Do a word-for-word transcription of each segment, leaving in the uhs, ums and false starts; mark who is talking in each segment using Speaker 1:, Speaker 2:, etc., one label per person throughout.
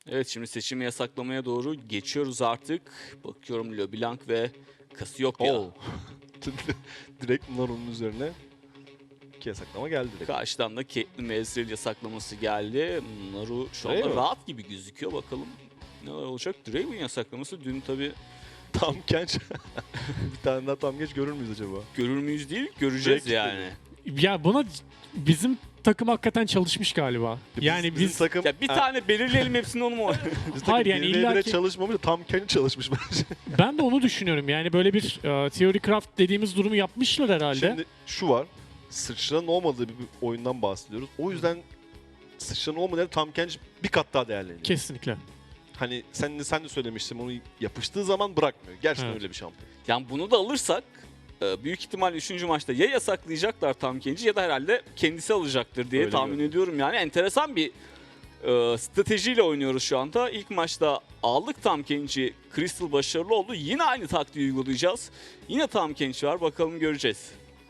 Speaker 1: Evet, şimdi seçimi yasaklamaya doğru geçiyoruz artık. Bakıyorum LeBlanc ve Cassiopeia.
Speaker 2: Oo. Direkt Naru'nun üzerine iki yasaklama geldi direkt.
Speaker 1: Karşıdan da Caitlyn ve Ezreal yasaklaması geldi. Naru şu anda
Speaker 2: Draven.
Speaker 1: rahat gibi gözüküyor. Bakalım ne olacak. Draven yasaklaması dün tabii
Speaker 2: Tam genç. Bir tane daha tam genç görür müyüz acaba?
Speaker 1: görür müyüz değil, göreceğiz
Speaker 2: Direkt
Speaker 1: yani.
Speaker 3: Ya buna bizim takım hakikaten çalışmış galiba.
Speaker 2: Biz-
Speaker 3: Yani
Speaker 2: bizim
Speaker 3: biz
Speaker 2: takım,
Speaker 1: Ya bir
Speaker 2: Ha,
Speaker 1: tane belirleyelim hepsini, onu mu oynayalım?
Speaker 2: bizim takım
Speaker 3: Hayır, yani
Speaker 2: bir ve bire
Speaker 3: illaki-
Speaker 2: çalışmamış da tam kendi çalışmış bence.
Speaker 3: ben de onu düşünüyorum. Yani böyle bir e, theory craft dediğimiz durumu yapmışlar herhalde.
Speaker 2: Şimdi şu var. Sıçranın olmadığı bir oyundan bahsediyoruz. O yüzden sıçranın olmadığı tam kendi bir kat daha değerleniyor.
Speaker 3: Kesinlikle.
Speaker 2: Hani sen de sen de söylemiştin, onu yapıştığı zaman bırakmıyor. Gerçekten
Speaker 3: Evet.
Speaker 2: öyle bir şampiyon.
Speaker 1: Yani bunu da alırsak e, büyük ihtimal üçüncü maçta ya yasaklayacaklar Tam Kench'i ya da herhalde kendisi alacaktır diye
Speaker 2: Öyle
Speaker 1: tahmin
Speaker 2: görünüyor.
Speaker 1: ediyorum. Yani enteresan bir e, stratejiyle oynuyoruz şu anda. İlk maçta aldık Tam Kench'i. Crystal başarılı oldu. Yine aynı taktiği uygulayacağız. Yine Tam Kench var. Bakalım, göreceğiz.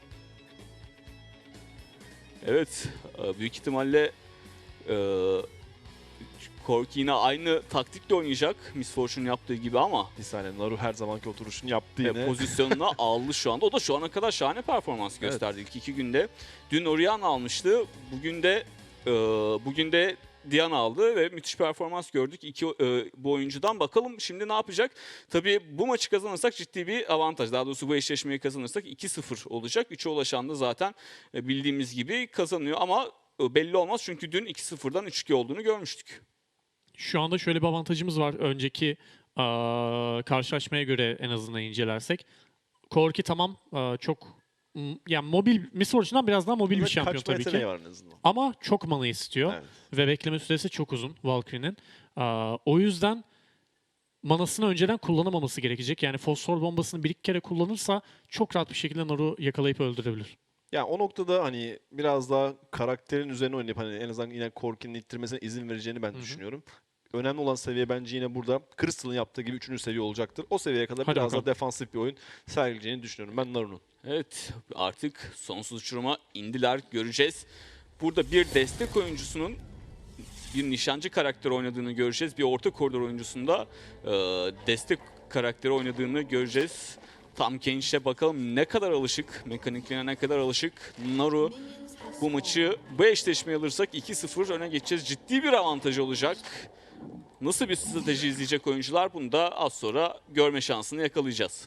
Speaker 1: Evet. e, büyük ihtimalle e, Corki yine aynı taktikle oynayacak. Miss Fortune yaptığı gibi ama
Speaker 2: Bir saniye, Naru her zamanki oturuşunu yaptı
Speaker 1: E,
Speaker 2: yine.
Speaker 1: pozisyonuna aldı şu anda. O da şu ana kadar şahane performans
Speaker 2: Evet.
Speaker 1: gösterdi ilk iki günde. Dün Orianna almıştı. Bugün de e, bugün de Diana aldı ve müthiş performans gördük iki e, bu oyuncudan. Bakalım şimdi ne yapacak? Tabii bu maçı kazanırsak ciddi bir avantaj. Daha doğrusu bu eşleşmeyi kazanırsak iki sıfır olacak. üçe ulaşan da zaten e, bildiğimiz gibi kazanıyor ama e, belli olmaz çünkü dün iki sıfırdan üç iki olduğunu görmüştük.
Speaker 3: Şu anda şöyle bir avantajımız var. Önceki aa, karşılaşmaya göre en azından incelersek. Corki tamam aa, çok m- yani mobil, Miss Fortune'dan biraz daha mobil bir
Speaker 2: Burada
Speaker 3: şampiyon
Speaker 2: kaçma
Speaker 3: tabii
Speaker 2: yeteneği
Speaker 3: ki.
Speaker 2: var en azından.
Speaker 3: Ama çok mana istiyor.
Speaker 2: Evet.
Speaker 3: Ve bekleme süresi çok uzun Valkyrie'nin. Aa, o yüzden manasını önceden kullanamaması gerekecek. Yani fosfor bombasını bir iki kere kullanırsa çok rahat bir şekilde Naru yakalayıp öldürebilir.
Speaker 2: Ya o noktada hani biraz daha karakterin üzerine oynayıp hani en azından yine Corki'nin ittirmesine izin vereceğini ben
Speaker 3: Hı hı.
Speaker 2: düşünüyorum. Önemli olan seviye bence yine burada Crystal'ın yaptığı gibi üçüncü seviye olacaktır. O seviyeye kadar
Speaker 3: Hadi
Speaker 2: biraz
Speaker 3: bakalım.
Speaker 2: daha defansif bir oyun sergileyeceğini düşünüyorum ben Naru'nun.
Speaker 1: Evet, artık sonsuz uçuruma indiler, göreceğiz. Burada bir destek oyuncusunun bir nişancı karakteri oynadığını göreceğiz. Bir orta koridor oyuncusunda e, destek karakteri oynadığını göreceğiz. Tam Kench'e bakalım ne kadar alışık, mekaniklerine ne kadar alışık. Naru bu maçı, bu eşleşmeyi alırsak iki sıfır öne geçeceğiz. Ciddi bir avantaj olacak. Nasıl bir strateji izleyecek oyuncular, bunu da az sonra görme şansını yakalayacağız.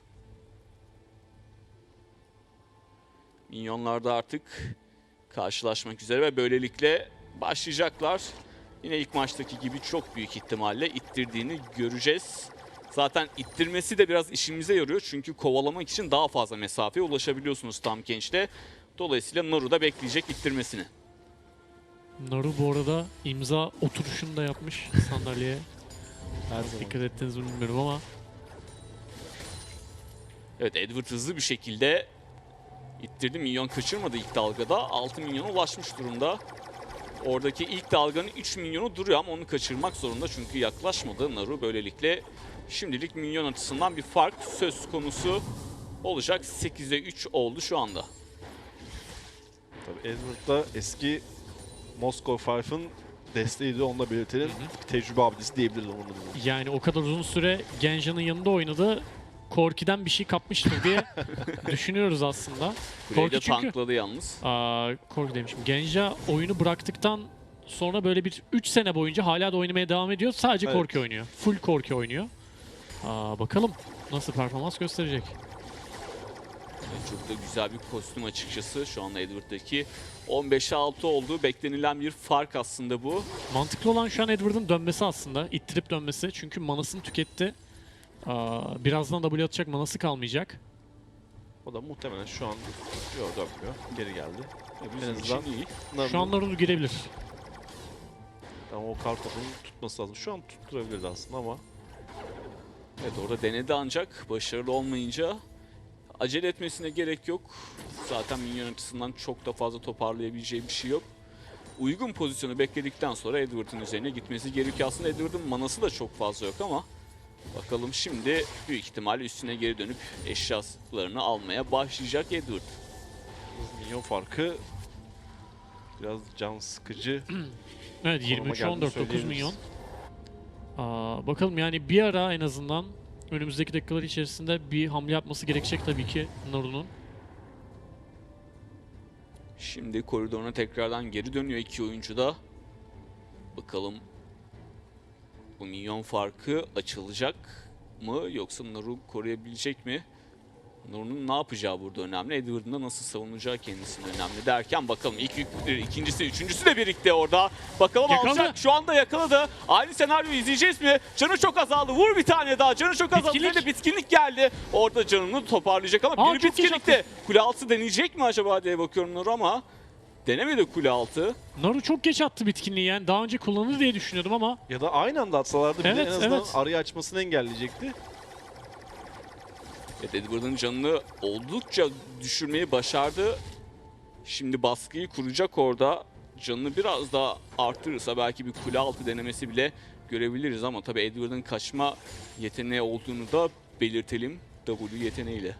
Speaker 1: Minyonlar da artık karşılaşmak üzere ve böylelikle başlayacaklar. Yine ilk maçtaki gibi çok büyük ihtimalle ittirdiğini göreceğiz. Zaten ittirmesi de biraz işimize yarıyor çünkü kovalamak için daha fazla mesafeye ulaşabiliyorsunuz Tam Kench'te. Dolayısıyla Naru da bekleyecek ittirmesini.
Speaker 3: Naru bu arada imza oturuşunu da yapmış sandalyeye.
Speaker 2: Her zaman.
Speaker 3: Dikkat ettiniz mi bilmiyorum ama
Speaker 1: Evet, Edward hızlı bir şekilde ittirdi. Minyon kaçırmadı ilk dalgada. altı milyona ulaşmış durumda. Oradaki ilk dalganın üç milyonu duruyor ama onu kaçırmak zorunda çünkü yaklaşmadı Naru. Böylelikle şimdilik minyon açısından bir fark söz konusu olacak. sekize üç oldu şu anda.
Speaker 2: Tabii Edward da eski Moskova Five'ın desteğiydi, onu da belirtelim. Tecrübe abidesi diyebiliriz onun adına.
Speaker 3: yani o kadar uzun süre Genja'nın yanında oynadı. Corki'den bir şey kapmıştır diye düşünüyoruz aslında.
Speaker 1: Kuleyi de
Speaker 3: Corki çünkü
Speaker 1: tankladı yalnız.
Speaker 3: aa, Corki demişim. Genja oyunu bıraktıktan sonra böyle bir üç sene boyunca hala da oynamaya devam ediyor. Sadece
Speaker 2: Evet.
Speaker 3: Corki oynuyor. Full Corki oynuyor. Aa, bakalım nasıl performans gösterecek.
Speaker 1: Evet, çok da güzel bir kostüm açıkçası. Şu anda Edward'daki on beşe altı olduğu beklenilen bir fark aslında bu.
Speaker 3: Mantıklı olan şu an Edward'ın dönmesi aslında. İttirip dönmesi. Çünkü manasını tüketti. Aa, birazdan W atacak, manası kalmayacak.
Speaker 2: O da muhtemelen şu an yok dönmüyor. Geri geldi.
Speaker 1: Bizim
Speaker 2: En
Speaker 1: için
Speaker 2: azından
Speaker 1: iyi.
Speaker 3: Şu an Naru girebilir.
Speaker 2: Ama o kartopunu tutması lazım. Şu an tutturabilirdi aslında ama
Speaker 1: Evet, orada denedi ancak başarılı olmayınca acele etmesine gerek yok. Zaten minyon açısından çok da fazla toparlayabileceği bir şey yok. Uygun pozisyonu bekledikten sonra Edward'ın üzerine gitmesi gerekiyor. Aslında Edward'ın manası da çok fazla yok ama bakalım şimdi büyük ihtimalle üstüne geri dönüp eşyalarını almaya başlayacak Edward.
Speaker 2: milyon farkı biraz can sıkıcı.
Speaker 3: Evet,
Speaker 2: Konuma
Speaker 3: yirmi üç
Speaker 2: geldiğini
Speaker 3: on dört dokuz
Speaker 2: söyleyebiliriz.
Speaker 3: milyon. Aa, bakalım yani bir ara en azından önümüzdeki dakikalar içerisinde bir hamle yapması gerekecek tabii ki Naru'nun.
Speaker 1: Şimdi koridoruna tekrardan geri dönüyor iki oyuncu da. Bakalım bu minyon farkı açılacak mı yoksa Naru koruyabilecek mi? Naru'nun ne yapacağı burada önemli. Edward'ın da nasıl savunacağı kendisine önemli derken bakalım ilk yük, ikincisi, üçüncüsü de birlikte orada. Bakalım
Speaker 3: Yakaladı.
Speaker 1: alacak. Şu anda yakaladı. Aynı senaryoyu izleyeceğiz mi? Canı çok azaldı. Vur bir tane daha. Canı çok azaldı.
Speaker 3: Bitkinlik.
Speaker 1: Bir de bitkinlik geldi. Orada canını toparlayacak ama
Speaker 3: Aa,
Speaker 1: bir
Speaker 3: çok
Speaker 1: bitkinlikte. Kule altı deneyecek mi acaba diye bakıyorum Naru ama denemedi kule altı.
Speaker 3: Naru çok geç attı bitkinliği yani. Daha önce kullanır diye düşünüyordum ama
Speaker 2: Ya da aynı anda atsalardı bile
Speaker 3: Evet,
Speaker 2: en azından
Speaker 3: evet.
Speaker 2: arayı açmasını engelleyecekti.
Speaker 1: Evet, Edward'ın canını oldukça düşürmeyi başardı. Şimdi baskıyı kuracak orada. Canını biraz daha arttırırsa belki bir kule altı denemesi bile görebiliriz ama tabii Edward'ın kaçma yeteneği olduğunu da belirtelim W yeteneğiyle.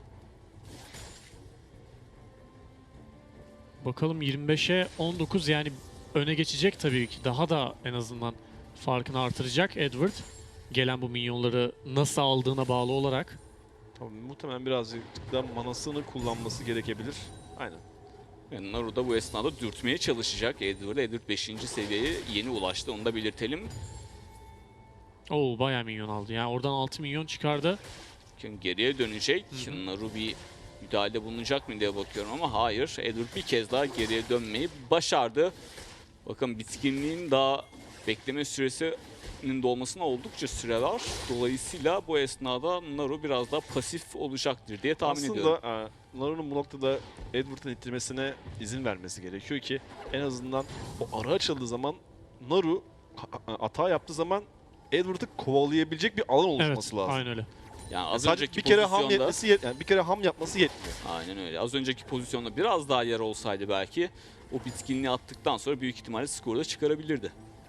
Speaker 3: bakalım yirmi beşe on dokuz yani öne geçecek tabii ki. Daha da en azından farkını artıracak Edward. Gelen bu minyonları nasıl aldığına bağlı olarak.
Speaker 2: Tabii, muhtemelen birazcık da manasını kullanması gerekebilir. Aynen.
Speaker 1: Yani Naru da bu esnada dürtmeye çalışacak Edward'ı. Edward beşinci seviyeye yeni ulaştı, onu da belirtelim.
Speaker 3: Oo bayağı minyon aldı. Yani oradan altı milyon çıkardı.
Speaker 1: Şimdi geriye dönecek.
Speaker 3: Hı hı.
Speaker 1: Naru bir müdahale bulunacak mı diye bakıyorum ama hayır. Edward bir kez daha geriye dönmeyi başardı. Bakın bitkinliğin daha bekleme süresinin dolmasına oldukça süre var. Dolayısıyla bu esnada Naru biraz daha pasif olacaktır diye tahmin ediyorum.
Speaker 2: Aslında e, Naru'nun bu noktada Edward'ın ittirmesine izin vermesi gerekiyor ki en azından o ara açıldığı zaman Naru ha- hata yaptığı zaman Edward'ı kovalayabilecek bir alan oluşması
Speaker 3: Evet,
Speaker 2: lazım.
Speaker 3: aynen öyle.
Speaker 1: Yani az
Speaker 2: Sadece
Speaker 1: önceki
Speaker 2: bir kere ham
Speaker 1: pozisyonda
Speaker 2: yetmesi yet- yani bir kere ham yapması yetmiyor.
Speaker 1: aynen öyle. Az önceki pozisyonda biraz daha yer olsaydı belki o bitkinliği attıktan sonra büyük ihtimalle skoru da çıkarabilirdi.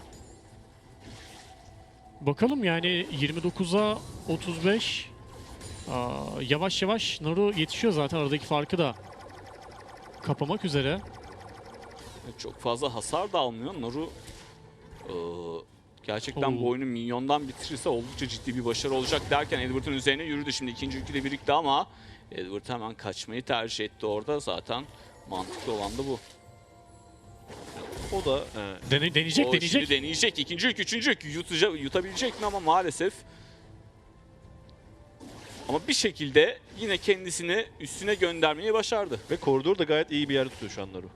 Speaker 3: Bakalım yani yirmi dokuza otuz beş. Aa, yavaş yavaş Naru yetişiyor zaten, aradaki farkı da kapamak üzere.
Speaker 1: Çok fazla hasar da almıyor. Naru eee, gerçekten
Speaker 3: Oo.
Speaker 1: bu oyunu minyondan bitirirse oldukça ciddi bir başarı olacak derken Edward'ın üzerine yürüdü. Şimdi ikinci yükü de birlikte ama Edward hemen kaçmayı tercih etti orada. Zaten mantıklı olan da bu.
Speaker 2: O da e,
Speaker 3: Dene, deneyecek
Speaker 1: O
Speaker 3: deneyecek.
Speaker 1: şimdi deneyecek. İkinci yük, üçüncü yük yutacak, yutabilecek mi ama maalesef. Ama bir şekilde yine kendisini üstüne göndermeyi başardı.
Speaker 2: ve koridor da gayet iyi bir yerde tutuyor şu an Naru.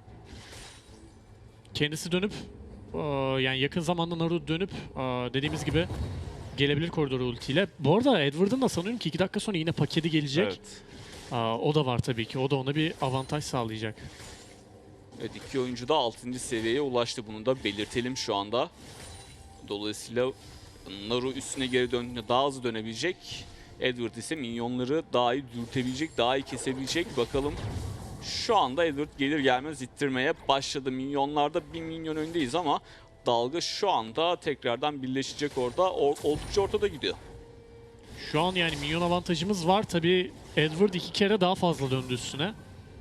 Speaker 3: Kendisi dönüp aa, yani yakın zamanda Naru dönüp aa, dediğimiz gibi gelebilir koridor ultiyle. Bu arada Edward'ın da sanıyorum ki iki dakika sonra yine paketi gelecek.
Speaker 2: Evet.
Speaker 3: Aa, o da var tabii ki. O da ona bir avantaj sağlayacak.
Speaker 1: Evet, iki oyuncu da altıncı seviyeye ulaştı. Bunu da belirtelim şu anda. Dolayısıyla Naru üstüne geri döndüğünde daha hızlı dönebilecek. Edward ise minyonları daha iyi dürtebilecek, daha iyi kesebilecek. Bakalım şu anda Edward gelir gelmez ittirmeye başladı. Minyonlarda bir minyon öndeyiz ama dalga şu anda tekrardan birleşecek orada. O, oldukça ortada gidiyor.
Speaker 3: Şu an yani minyon avantajımız var. Tabii Edward iki kere daha fazla döndü üstüne.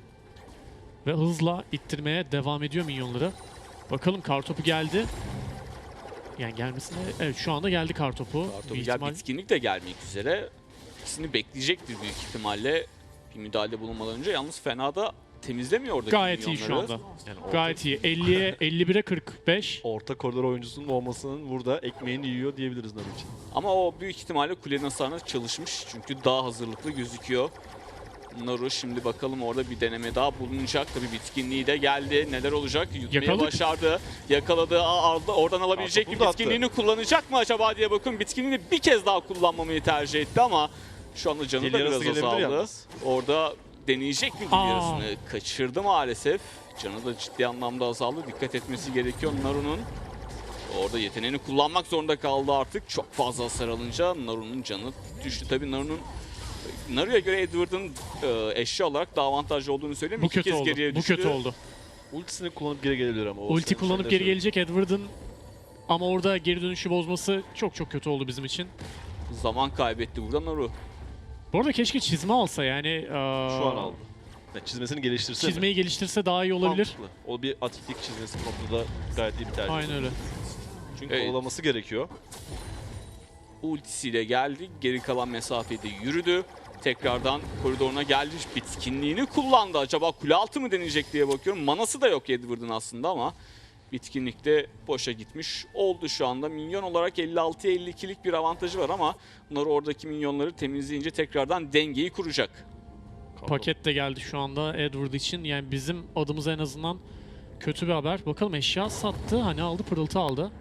Speaker 3: Ve hızla ittirmeye devam ediyor minyonları. Bakalım kartopu geldi. Yani gelmesine... Evet şu anda geldi kartopu.
Speaker 1: Kartopu
Speaker 3: Bir
Speaker 1: gel,
Speaker 3: ihtimal-
Speaker 1: bitkinlik de gelmek üzere. İkisini bekleyecektir büyük ihtimalle bir müdahale bulunmadan önce. Yalnız fena da temizlemiyor oradaki
Speaker 3: Gayet iyi şu
Speaker 1: minyonları.
Speaker 3: anda.
Speaker 2: Yani orta,
Speaker 3: Gayet iyi. elliye elli bire kırk beş.
Speaker 2: orta koridor oyuncusunun olmasının burada ekmeğini yiyor diyebiliriz Naru için.
Speaker 1: Ama o büyük ihtimalle kulenin hasarına çalışmış. Çünkü daha hazırlıklı gözüküyor. Naru şimdi bakalım orada bir deneme daha bulunacak. Tabii bitkinliği de geldi. Neler olacak? Yutmayı
Speaker 3: Yakaladık.
Speaker 1: başardı. Yakaladı. Aa, aldı. Oradan alabilecek mi?
Speaker 2: Kartopu da attı.
Speaker 1: Bitkinliğini kullanacak mı acaba diye bakın. Bitkinliğini bir kez daha kullanmamayı tercih etti ama şu anda canı
Speaker 2: Deli
Speaker 1: da
Speaker 2: yarası
Speaker 1: biraz
Speaker 2: gelebilir
Speaker 1: azaldı.
Speaker 2: yalnız.
Speaker 1: Orada deneyecek mi
Speaker 3: Aa.
Speaker 1: dil yarısını? Kaçırdı maalesef. Canı da ciddi anlamda azaldı. Dikkat etmesi gerekiyor Naru'nun. Orada yeteneğini kullanmak zorunda kaldı artık. Çok fazla hasar alınca Naru'nun canı düştü. Tabii Naru'nun Naru'ya göre Edward'ın e, eşya olarak daha avantajlı olduğunu söyleyeyim.
Speaker 3: Bu
Speaker 1: İki
Speaker 3: kötü
Speaker 1: kez
Speaker 3: oldu.
Speaker 1: geriye
Speaker 3: Bu
Speaker 1: düştü.
Speaker 3: kötü oldu.
Speaker 2: Ultisini kullanıp geri gelebilir ama. o
Speaker 3: Ulti
Speaker 2: sen-
Speaker 3: kullanıp
Speaker 2: sen de
Speaker 3: geri
Speaker 2: söyle.
Speaker 3: gelecek Edward'ın ama orada geri dönüşü bozması çok çok kötü oldu bizim için.
Speaker 1: Zaman kaybetti burada Naru.
Speaker 3: Bu arada keşke çizme alsa yani.
Speaker 2: Şu an aldı. Yani çizmesini geliştirse mi?
Speaker 3: Çizmeyi geliştirse daha iyi olabilir.
Speaker 2: Mantıklı. O bir atiklik çizmesi noktada gayet iyi bir tercih.
Speaker 3: Aynen öyle.
Speaker 2: Çünkü
Speaker 1: Evet.
Speaker 2: kovalaması gerekiyor.
Speaker 1: ultisiyle geldi. Geri kalan mesafede yürüdü. Tekrardan koridoruna geldi. Bitkinliğini kullandı. Acaba kule altı mı deneyecek diye bakıyorum. Manası da yok Edward'ın aslında ama bitkinlikte boşa gitmiş oldu şu anda. Minyon olarak elli altıya elli ikilik bir avantajı var ama bunlar oradaki minyonları temizleyince tekrardan dengeyi kuracak.
Speaker 3: Paket de geldi şu anda Edward için. Yani bizim adımıza en azından kötü bir haber. Bakalım eşya sattı. Hani aldı, pırıltı aldı.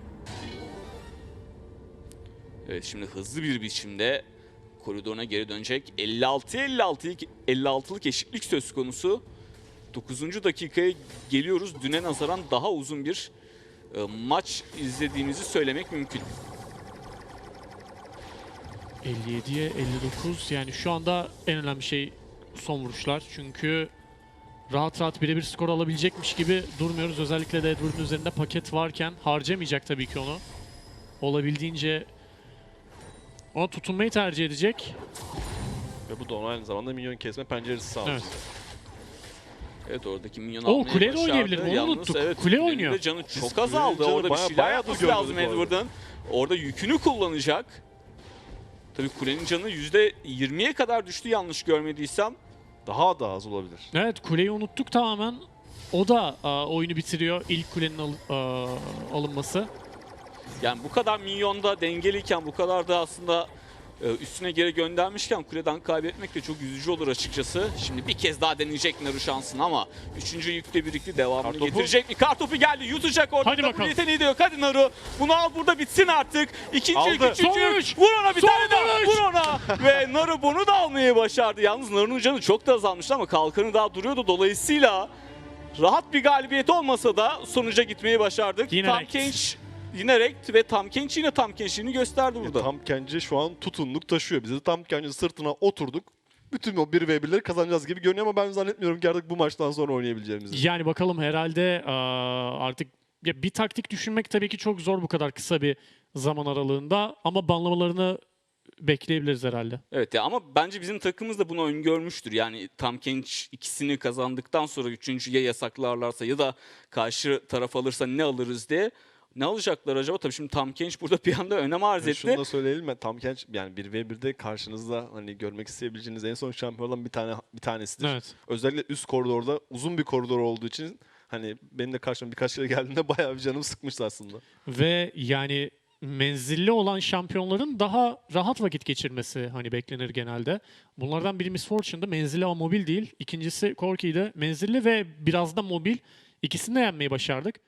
Speaker 1: Evet, şimdi hızlı bir biçimde koridoruna geri dönecek. elli altıya elli altılık elli altılık eşitlik söz konusu. dokuzuncu dakikaya geliyoruz. Düne nazaran daha uzun bir e, maç izlediğimizi söylemek mümkün.
Speaker 3: elli yediye elli dokuz. Yani şu anda en önemli şey son vuruşlar. Çünkü rahat rahat birebir skor alabilecekmiş gibi durmuyoruz. Özellikle de Edward'ın üzerinde paket varken harcamayacak tabii ki onu. Olabildiğince ona tutunmayı tercih edecek.
Speaker 2: Ve bu da ona aynı zamanda minyon kesme penceresi sağlıyor.
Speaker 3: Evet.
Speaker 1: Evet, oradaki minyon
Speaker 3: Oo,
Speaker 1: almayı
Speaker 3: kuleyle
Speaker 1: başardı.
Speaker 3: oynayabilir mi? Onu
Speaker 1: Yalnız
Speaker 3: unuttuk.
Speaker 1: evet,
Speaker 3: Kule
Speaker 1: kulenin
Speaker 3: oynuyor.
Speaker 1: de canı
Speaker 2: Çok
Speaker 1: çok azaldı.
Speaker 2: kulenin canı
Speaker 1: Orada bir
Speaker 2: bayağı-
Speaker 1: şeyler
Speaker 2: bayağı
Speaker 1: yapması
Speaker 2: da
Speaker 1: lazım
Speaker 2: gördük bu arada.
Speaker 1: Edward'ın. Orada yükünü kullanacak. Tabii kulenin canı yüzde yirmiye kadar düştü yanlış görmediysem.
Speaker 2: Daha da az olabilir.
Speaker 3: Evet, kuleyi unuttuk tamamen. O da aa, oyunu bitiriyor. İlk kulenin al- aa, alınması.
Speaker 1: Yani bu kadar minyonda dengeliyken, bu kadar da aslında e, üstüne geri göndermişken kuleden kaybetmek de çok üzücü olur açıkçası. Şimdi bir kez daha deneyecek Naru şansını ama üçüncü yükle birlikte devamını
Speaker 2: Kartopu.
Speaker 1: getirecek mi? Kartopu geldi, yutacak orada.
Speaker 3: Hadi bakalım.
Speaker 1: Yeteneği de yok. Hadi Naru. Bunu al, burada bitsin artık. İkinci
Speaker 2: Aldı.
Speaker 1: yük, üçüncü
Speaker 3: Son
Speaker 1: yük.
Speaker 3: üç.
Speaker 1: Vur ona bir
Speaker 3: Son
Speaker 1: tane daha.
Speaker 3: üç.
Speaker 1: Vur ona. Ve Naru bunu da almayı başardı. Yalnız Naru'nun canı çok da azalmıştı ama kalkanı daha duruyordu. Dolayısıyla rahat bir galibiyet olmasa da sonuca gitmeyi başardık.
Speaker 3: Yine
Speaker 1: Tam
Speaker 3: rekt.
Speaker 1: Kench yine rekt ve Tam Kench yine Tam Kench'ini gösterdi
Speaker 2: Ya
Speaker 1: burada.
Speaker 2: tam Kenci şu an tutunluk taşıyor. Biz de tam Kenci sırtına oturduk. Bütün o bir ve birleri kazanacağız gibi görünüyor ama ben zannetmiyorum ki artık bu maçtan sonra oynayabileceğimizi.
Speaker 3: Yani bakalım herhalde aa, artık ya bir taktik düşünmek tabii ki çok zor bu kadar kısa bir zaman aralığında ama banlamalarını bekleyebiliriz herhalde.
Speaker 1: Evet ya, ama bence bizim takımımız da bunu öngörmüştür. Yani Tam Kench ikisini kazandıktan sonra üçüncüye yasaklarlarsa ya da karşı taraf alırsa ne alırız diye. Ne alacaklar acaba? Tabii şimdi Tam Kench burada bir anda önem arz
Speaker 2: Yani
Speaker 1: etti.
Speaker 2: şunu da söyleyelim mi? Tam Kenç yani bir ve birde karşınızda hani görmek isteyebileceğiniz en son şampiyonlardan bir tane bir tanesidir.
Speaker 3: Evet.
Speaker 2: Özellikle üst koridorda uzun bir koridor olduğu için hani benim de karşıma birkaç kere geldiğinde bayağı bir canım sıkmıştı aslında.
Speaker 3: Ve yani menzilli olan şampiyonların daha rahat vakit geçirmesi hani beklenir genelde. Bunlardan biri Miss Fortune'da menzilli ama mobil değil. İkincisi Corki'de menzilli ve biraz da mobil. İkisini de yenmeyi başardık.